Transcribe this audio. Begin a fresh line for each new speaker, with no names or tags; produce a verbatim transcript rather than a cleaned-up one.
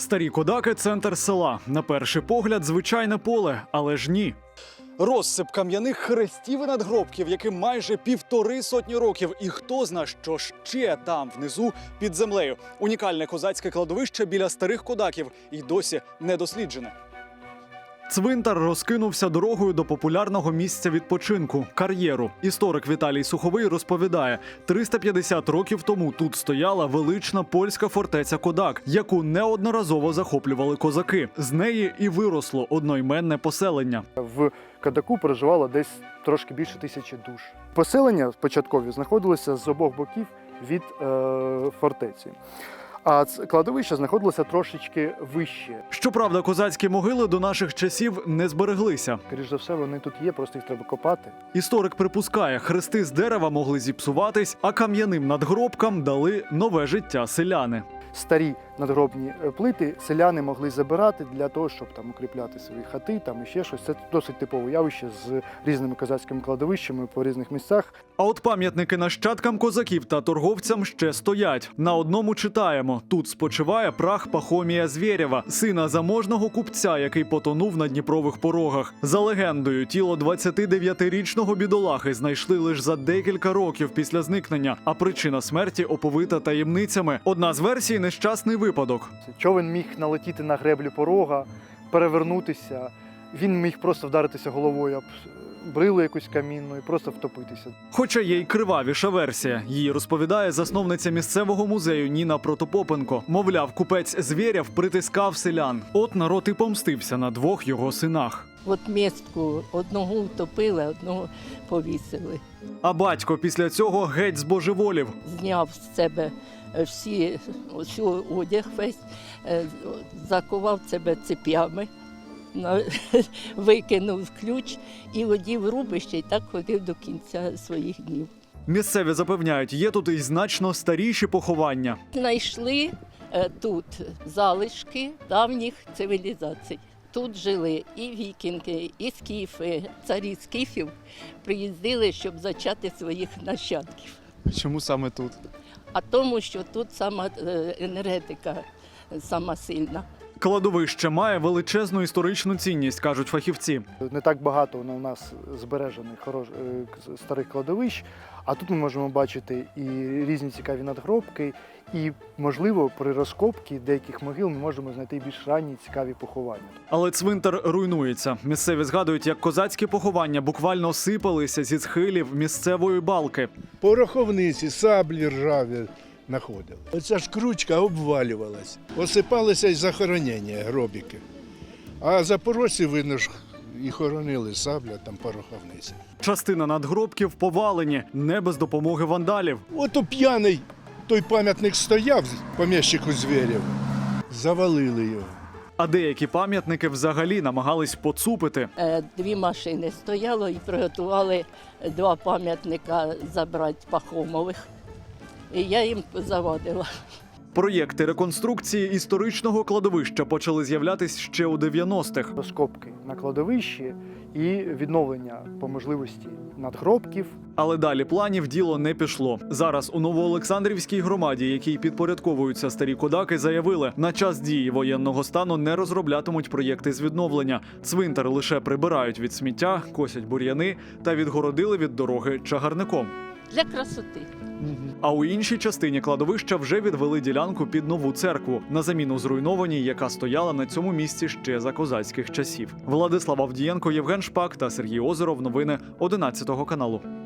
Старі Кодаки – центр села. На перший погляд – звичайне поле, але ж ні. Розсип кам'яних хрестів і надгробків, яким майже півтори сотні років. І хто зна, що ще там, внизу, під землею. Унікальне козацьке кладовище біля старих Кодаків і досі не досліджене. Цвинтар розкинувся дорогою до популярного місця відпочинку – кар'єру. Історик Віталій Суховий розповідає, триста п'ятдесят років тому тут стояла велична польська фортеця Кодак, яку неодноразово захоплювали козаки. З неї і виросло одноіменне поселення.
В Кодаку проживало десь трошки більше тисячі душ. Поселення початкові знаходилося з обох боків від е, фортеці. А кладовище знаходилося трошечки вище.
Щоправда, козацькі могили до наших часів не збереглися.
Скоріше за все, вони тут є, просто їх треба копати.
Історик припускає, хрести з дерева могли зіпсуватись, а кам'яним надгробкам дали нове життя селяни.
Старі надгробні плити селяни могли забирати для того, щоб там укріпляти свої хати, там і ще щось. Це досить типове явище з різними козацькими кладовищами по різних місцях.
А от пам'ятники нащадкам козаків та торговцям ще стоять. На одному читаємо: тут спочиває прах Пахомія Звєрєва, сина заможного купця, який потонув на Дніпрових порогах. За легендою, тіло двадцятидев'ятирічного бідолахи знайшли лише за декілька років після зникнення, а причина смерті оповита таємницями. Одна з версій – нещасний випадок.
Човен міг налетіти на греблю порога, перевернутися. Він міг просто вдаритися головою об брилу якусь камінну і просто втопитися.
Хоча є й кривавіша версія. Її розповідає засновниця місцевого музею Ніна Протопопенко. Мовляв, купець Звєрєв притискав селян. От народ і помстився на двох його синах.
От містку одного втопили, одного повісили.
А батько після цього геть збожеволів.
Зняв з себе всі, всю одяг весь, е, закував себе цепями, на- викинув ключ і одів рубище, і так ходив до кінця своїх днів.
Місцеві запевняють, є тут і значно старіші поховання.
Знайшли е, тут залишки давніх цивілізацій. Тут жили і вікінги, і скіфи. Царі скіфів приїздили, щоб зачати своїх нащадків.
Чому саме тут?
А тому, що тут сама е, енергетика сама сильна.
Кладовище має величезну історичну цінність, кажуть фахівці.
Не так багато у нас збережених хорош... е, старих кладовищ, а тут ми можемо бачити і різні цікаві надгробки, і, можливо, при розкопці деяких могил ми можемо знайти більш ранні цікаві поховання.
Але цвинтар руйнується. Місцеві згадують, як козацькі поховання буквально сипалися зі схилів місцевої балки.
Пороховниці, саблі ржаві знаходили. Оця ж кручка обвалювалась. Осипалися й захоронення, гробіки. А запорожці, видно ж, і хоронили сабля, там пороховниці.
Частина надгробків повалені, не без допомоги вандалів.
Ото п'яний той пам'ятник стояв, поміщику Звєрєв. Завалили його.
А деякі пам'ятники взагалі намагались поцупити.
Е, Дві машини стояло і приготували два пам'ятника забрати Пахомових. І я їм завадила.
Проєкти реконструкції історичного кладовища почали з'являтись ще у дев'яностих.
Розкопки на кладовищі і відновлення по можливості надгробків.
Але далі планів діло не пішло. Зараз у Новоолександрівській громаді, якій підпорядковуються старі Кодаки, заявили, на час дії воєнного стану не розроблятимуть проєкти з відновлення. Цвинтар лише прибирають від сміття, косять бур'яни та відгородили від дороги чагарником.
Для красоти.
А у іншій частині кладовища вже відвели ділянку під нову церкву, на заміну зруйнованій, яка стояла на цьому місці ще за козацьких часів. Владислав Авдієнко, Євген Шпак та Сергій Озеров. Новини одинадцятого каналу.